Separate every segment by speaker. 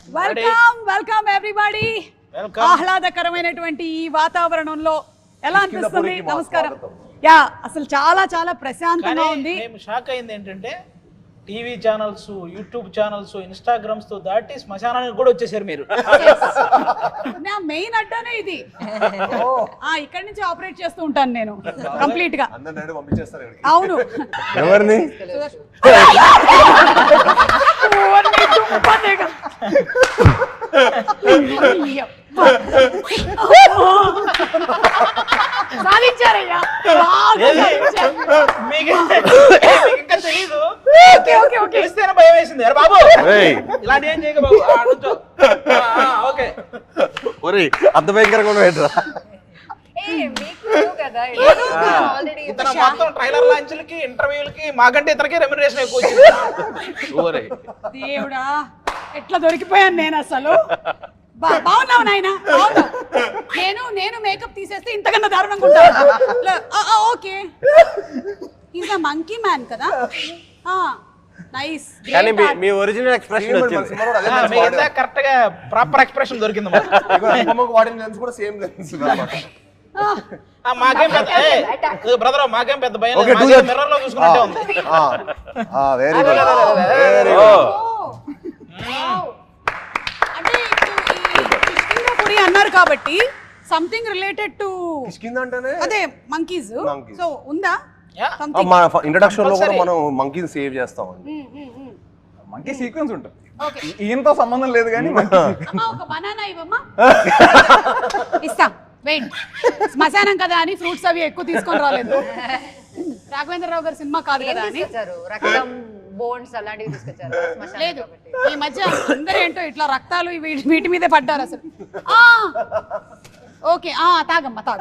Speaker 1: Welcome everybody. ఆహ్లాదకరమైనటువంటి ఈ వాతావరణంలో ఎలా అనిపిస్తుంది? నమస్కారం. యా, అసలు చాలా చాలా ప్రశాంతంగా ఉంది.
Speaker 2: మేము షాక్ అయింది ఏంటంటే TV channels, YouTube channels, Instagrams తో దాటి శ్మశానానికి కూడా వచ్చేసారు మీరు.
Speaker 1: నా మెయిన్ అడ్డానే ఇది. ఇక్కడ నుంచి ఆపరేట్ చేస్తూ ఉంటాను నేను కంప్లీట్ గా. అవును.
Speaker 3: ఎవరిని?
Speaker 1: సాధించారయ్యా.
Speaker 2: ఇంకా తెలీదు, భయం వేసింది. అరే బాబు ఇలాంటి ఏం చేయక బాబు. ఓకే,
Speaker 3: అంత భయంకరంగా ఉండేట్రా.
Speaker 2: ఇతను మొత్తం ట్రైలర్ లాంచ్లకి, ఇంటర్వ్యూలకి మాకంటే ఇతనికి రెమ్యునరేషన్ ఎక్కువ వచ్చింది.
Speaker 1: దేవుడా, ఎట్లా దొరికిపోయాను నేను అసలు. బాగున్నావు నాయన. నేను మేకప్ తీసేస్తే ఇంతకన్నా దారుణంగా ఉంటాను. Okay, is a monkey man కదా. నైస్.
Speaker 3: కానీ మీ ఒరిజినల్ ఎక్స్ప్రెషన్ వచ్చింది.
Speaker 2: కరెక్ట్ గా ప్రాపర్ ఎక్స్ప్రెషన్ దొరికింది. మాకేం పెద్ద బ్రదర్, మాకేం పెద్ద భయం లేదు. మిర్రర్ లో చూసుకున్నట్టే ఉంది.
Speaker 3: Very good, very good.
Speaker 1: అంటే కిష్కింధాపురి అన్నారు కాబట్టి సంథింగ్ రిలేటెడ్ టు అదే మంకీస్. సో ఉందా?
Speaker 3: మన ఇంట్రడక్షన్ లో కూడా మనం మంకీని సేవ్ చేస్తాం.
Speaker 4: మంకీ సీక్వెన్స్ ఉంటుంది. ఈయనతో సంబంధం లేదు కానీ
Speaker 1: ఒక బనానా ఇవ్వమ్మా. ఇస్తాం. వెయిట్, శ్మశానం కదా అని ఫ్రూట్స్ అవి ఎక్కువ తీసుకొని రాలేదు. రాఘవేంద్రరావు గారి సినిమా కాదు కదా అని లేదు. ఈ మధ్య అందరూ ఏంటో ఇట్లా రక్తాలు వీటి మీదే పడ్డారు అసలు. ఓకే, తాగమ్మా, తాగు.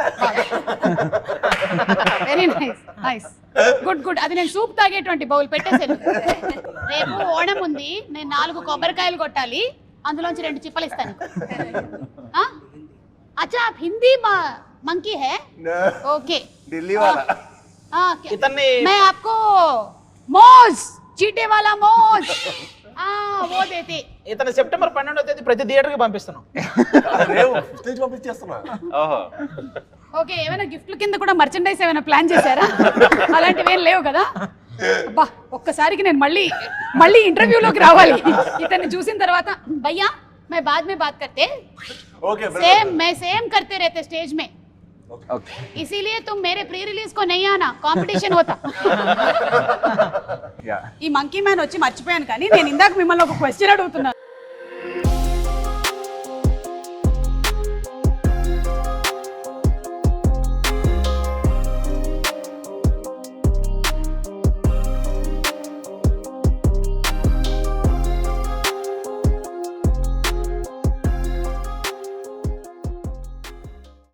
Speaker 1: Very nice, nice, good good. అది నేను సూప్ తాగేటువంటి బౌల్ పెట్టేసాను. రేపు ఓణం ఉంది, నేను 4 కొబ్బరికాయలు కొట్టాలి, అందులోంచి 2 చిప్పలు ఇస్తాను. अच्छा, आप हिंदी मंकी है? ओके,
Speaker 3: दिल्ली वाला.
Speaker 1: मैं आपको मोज, चीटे वाला मोज, वो देते.
Speaker 2: ఇతను సెప్టెంబర్ 12వ తేదీ ప్రతి థియేటర్ కి పంపిస్తున్నాం.
Speaker 1: ఓకే, ఏమైనా గిఫ్ట్ల కింద కూడా మర్చెండైజ్ ఏమైనా ప్లాన్ చేశారా? అలాంటివి ఏం లేవు కదా. అబ్బా, ఒక్కసారికి నేను మళ్ళీ ఇంటర్వ్యూలోకి రావాలి ఇతన్ని చూసిన తర్వాత. భయ్యా, मैं बाद में बात करते. मैं सेम करते रहते स्टेज में. इसीलिए तुम मेरे प्री रिलीज को नहीं आना, कंपटीशन होता. ఈ మంకీ మ్యాన్ వచ్చి మర్చిపోయాను, కానీ నేను ఇందాక మిమ్మల్ని ఒక క్వశ్చన్ అడుగుతున్నాను.